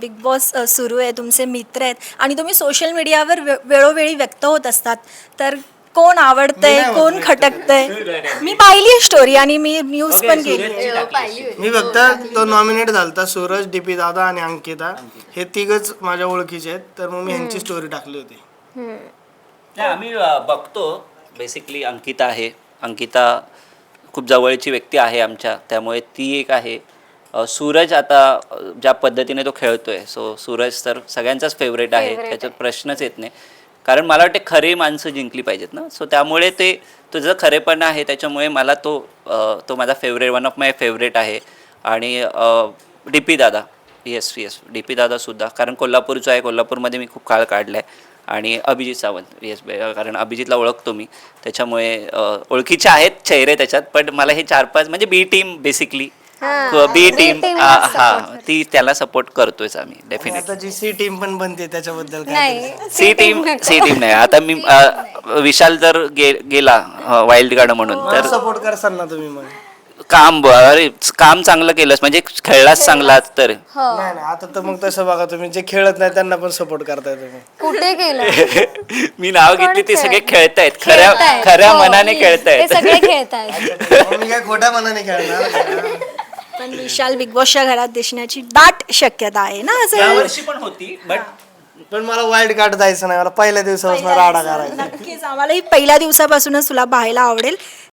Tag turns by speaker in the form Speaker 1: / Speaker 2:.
Speaker 1: Big boss सुरू आहे, तुमचे मित्र आहेत आणि तुम्ही सोशल मीडियावर वेळोवेळी व्यक्त होत असतात, तर कोण आवडतंय, कोण खटकतंय? मी पाहिली स्टोरी आणि मी न्यूज पण केली आहे.
Speaker 2: मी फक्त तो नॉमिनेट झालता सूरज, डीपी दादा आणि अंकिता, हे तिघच माझ्या ओळखीचे आहेत, तर मग मी ह्यांची स्टोरी टाकली होती.
Speaker 3: नाही आम्ही बघतो बेसिकली. अंकिता आहे, अंकिता खूप जवळची व्यक्ती आहे आमच्या, त्यामुळे ती एक आहे. सूरज आता ज्या पद्धतीने तो खेळतोय, सो सूरज तर सगळ्यांचाच फेवरेट आहे, त्याच्यात प्रश्नच येत नाही. कारण मला वाटते खरी माणसं जिंकली पाहिजेत ना, सो त्यामुळे ते तुझं खरेपण आहे, त्याच्यामुळे मला तो माझा favourite, one of my favourite आहे. आणि D P Dada, yes D P दादासुद्धा, कारण कोल्हापूरचा आहे, कोल्हापूरमध्ये मी खूप काळ काढला आहे. आणि अभिजित सावंत, येस, कारण अभिजितला ओळखतो मी, त्याच्यामुळे ओळखीचे आहेत चेहरे त्याच्यात. पण मला हे 4-5 म्हणजे B team basically, B team ती त्याला सपोर्ट करतोयच आम्ही डेफिनेटली.
Speaker 2: आता जी सी टीम पण बनते त्याच्याबद्दल काय?
Speaker 4: नाही
Speaker 3: सी टीम नाही. आता मी विशाल जर गेला वाईल्ड कार्ड म्हणून, तर
Speaker 2: सपोर्ट करसाल ना तुम्ही मग?
Speaker 3: काम चांगलं केलंस म्हणजे खेळलाच चांगलाच तर.
Speaker 2: नाही नाही, आता तर मग तसं बघा, तुम्ही जे खेळत नाही त्यांना पण सपोर्ट करताय तुम्ही.
Speaker 4: कुठे केलं?
Speaker 3: मी नाव घेतली, ते सगळे खेळतायत,
Speaker 4: खेळतायत.
Speaker 3: खऱ्या
Speaker 4: हो,
Speaker 3: मनाने
Speaker 4: ते
Speaker 3: खेळतायत.
Speaker 4: सगळे खेळतायत.
Speaker 2: मी काय खोट्या मनाने खेळणार?
Speaker 1: पण विशाल बिग बॉसच्या घरात दिसण्याची दाट शक्यता आहे ना असं.
Speaker 3: यावर्षी पण होती, बट
Speaker 2: पण मला वाईल्ड कार्ड जायचं नाही, मला पहिल्या दिवसापासून राडा करायचा.
Speaker 1: नक्कीच आम्हालाही पहिल्या दिवसापासूनच तुला पाहायला आवडेल.